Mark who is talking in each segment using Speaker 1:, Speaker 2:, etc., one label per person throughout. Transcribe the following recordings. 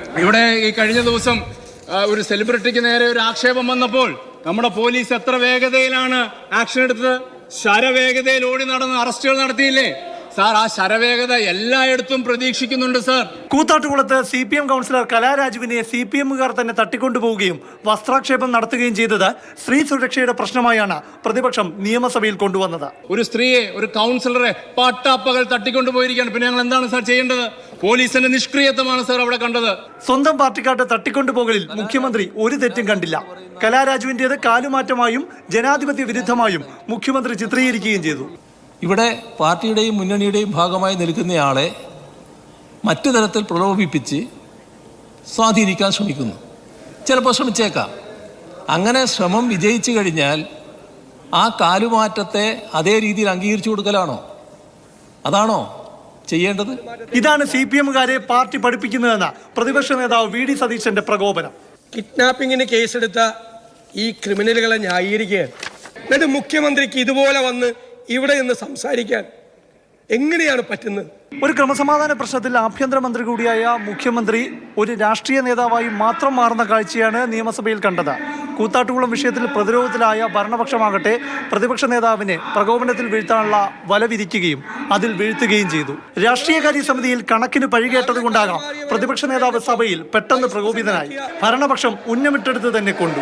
Speaker 1: ഇവിടെ ഈ കഴിഞ്ഞ ദിവസം ഒരു സെലിബ്രിറ്റിക്ക് നേരെ ഒരു ആക്ഷേപം വന്നപ്പോൾ നമ്മുടെ പോലീസ് എത്ര വേഗതയിലാണ് ആക്ഷൻ എടുത്തത്? ശരവേഗതയിൽ ഓടി നടന്ന് അറസ്റ്റുകൾ നടത്തിയില്ലേ സാർ? ആ ശരവേഗത എല്ലായിടത്തും പ്രതീക്ഷിക്കുന്നുണ്ട് സാർ.
Speaker 2: കൂത്താട്ടുകുളത്ത് CPM കൗൺസിലർ കലാരാജുവിനെ CPMകാർ തന്നെ തട്ടിക്കൊണ്ടുപോവുകയും വസ്ത്രാക്ഷേപം നടത്തുകയും ചെയ്തത് സ്ത്രീ സുരക്ഷയുടെ പ്രശ്നമായാണ് പ്രതിപക്ഷം നിയമസഭയിൽ കൊണ്ടുവന്നത്.
Speaker 1: ഒരു സ്ത്രീയെ, ഒരു കൗൺസിലറെ പട്ടാപ്പകൽ തട്ടിക്കൊണ്ടുപോയിരിക്കുകയാണ്. പിന്നെ ഞങ്ങൾ എന്താണ് സാർ ചെയ്യേണ്ടത്? പോലീസിന്റെ നിഷ്ക്രിയത്വമാണ് സാർ അവിടെ കണ്ടത്.
Speaker 2: സ്വന്തം പാർട്ടിക്കാരുടെ തട്ടിക്കൊണ്ടുപോകലിൽ മുഖ്യമന്ത്രി ഒരു തെറ്റും കണ്ടില്ല. കലാരാജുവിന്റേത് കാലുമാറ്റമായും ജനാധിപത്യ വിരുദ്ധമായും മുഖ്യമന്ത്രി ചിത്രീകരിക്കുകയും ചെയ്തു.
Speaker 3: ഇവിടെ പാർട്ടിയുടെയും മുന്നണിയുടെയും ഭാഗമായി നിൽക്കുന്നയാളെ മറ്റു തരത്തിൽ പ്രലോഭിപ്പിച്ച് സ്വാധീനിക്കാൻ ശ്രമിക്കുന്നു. ചിലപ്പോൾ ശ്രമിച്ചേക്കാം. അങ്ങനെ ശ്രമം വിജയിച്ചു കഴിഞ്ഞാൽ ആ കാലുമാറ്റത്തെ അതേ രീതിയിൽ അംഗീകരിച്ചു കൊടുക്കലാണോ? അതാണോ ചെയ്യേണ്ടത്?
Speaker 2: ഇതാണ് CPMകാരെ പാർട്ടി പഠിപ്പിക്കുന്നതെന്ന പ്രതിപക്ഷ നേതാവ് VD സതീശന്റെ പ്രകോപനം.
Speaker 4: കിഡ്നാപ്പിങ്ങിന് കേസെടുത്ത ഈ ക്രിമിനലുകളെ ന്യായീകരിക്കുകയാണ്. എന്നിട്ട് മുഖ്യമന്ത്രിക്ക് ഇതുപോലെ വന്ന് ഇവിടെ നിന്ന് സംസാരിക്കാൻ എങ്ങനെയാണ് പറ്റുന്നത്?
Speaker 2: ഒരു ക്രമസമാധാന പ്രശ്നത്തിൽ ആഭ്യന്തരമന്ത്രി കൂടിയായ മുഖ്യമന്ത്രി ഒരു രാഷ്ട്രീയ നേതാവായി മാത്രം മാറുന്ന കാഴ്ചയാണ് നിയമസഭയിൽ കണ്ടത്. കൂത്താട്ടുകുളം വിഷയത്തിൽ പ്രതിരോധത്തിലായ ഭരണപക്ഷമാകട്ടെ പ്രതിപക്ഷ നേതാവിനെ പ്രകോപനത്തിൽ വീഴ്ത്താനുള്ള വല വിരിക്കുകയും അതിൽ വീഴ്ത്തുകയും ചെയ്തു. രാഷ്ട്രീയകാര്യ സമിതിയിൽ കണക്കിന് പഴികേട്ടതുകൊണ്ടാകാം പ്രതിപക്ഷ നേതാവ് സഭയിൽ പെട്ടെന്ന് പ്രകോപിതനായി. ഭരണപക്ഷം ഉന്നമിട്ടെടുത്ത് തന്നെ കൊണ്ടു.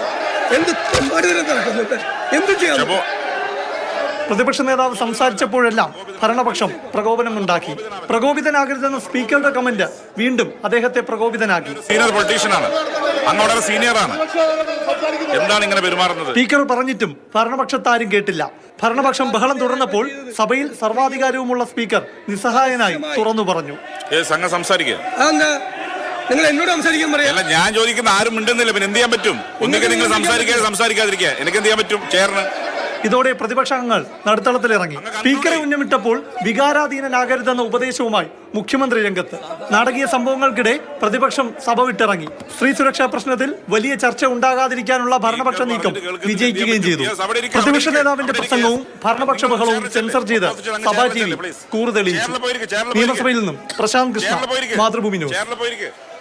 Speaker 2: പ്രതിപക്ഷ നേതാവ് സംസാരിച്ചപ്പോഴെല്ലാം ഭരണപക്ഷം പ്രകോപനമുണ്ടാക്കി. പ്രകോപിതനാകരുതെന്ന സ്പീക്കറുടെ കമന്റ് വീണ്ടും അദ്ദേഹത്തെ പ്രകോപിതനാക്കി. സ്പീക്കർ പറഞ്ഞിട്ടും ഭരണപക്ഷത്താരും കേട്ടില്ല. ഭരണപക്ഷം ബഹളം തുടർന്നപ്പോൾ സഭയിൽ സർവാധികാരവുമുള്ള സ്പീക്കർ നിസ്സഹായനായി തുറന്നു പറഞ്ഞു.
Speaker 4: നിങ്ങൾ എന്നോട് സംസാരിക്കാൻ പറയാം.
Speaker 5: ഞാൻ ചോദിക്കുന്ന ആരും മിണ്ടുന്നില്ല. പിന്നെ എന്ത് ചെയ്യാൻ പറ്റും? ഒന്നുകിൽ നിങ്ങൾ സംസാരിക്കാതിരിക്കുക. എനിക്ക് എന്ത് ചെയ്യാൻ പറ്റും? ചേർന്ന്
Speaker 2: ഇതോടെ പ്രതിപക്ഷാംഗങ്ങൾ നടുത്തളത്തിലിറങ്ങി. സ്പീക്കറെ ഉന്നമിട്ടപ്പോൾ വികാരാധീനനാകരുതെന്ന ഉപദേശവുമായി മുഖ്യമന്ത്രി രംഗത്ത്. നാടകീയ സംഭവങ്ങൾക്കിടെ പ്രതിപക്ഷം സഭ വിട്ടിറങ്ങി. സ്ത്രീ സുരക്ഷാ പ്രശ്നത്തിൽ വലിയ ചർച്ച ഉണ്ടാകാതിരിക്കാനുള്ള ഭരണപക്ഷ നീക്കം വിജയിക്കുകയും ചെയ്തു. പ്രതിപക്ഷ നേതാവിന്റെ പ്രസംഗവും ഭരണപക്ഷ ബഹളവും സെൻസർ ചെയ്ത് സഭാ TV കൂറ് തെളിയിച്ചു. നിയമസഭയിൽ നിന്നും പ്രശാന്ത് കൃഷ്ണ, മാതൃഭൂമി ന്യൂസ്.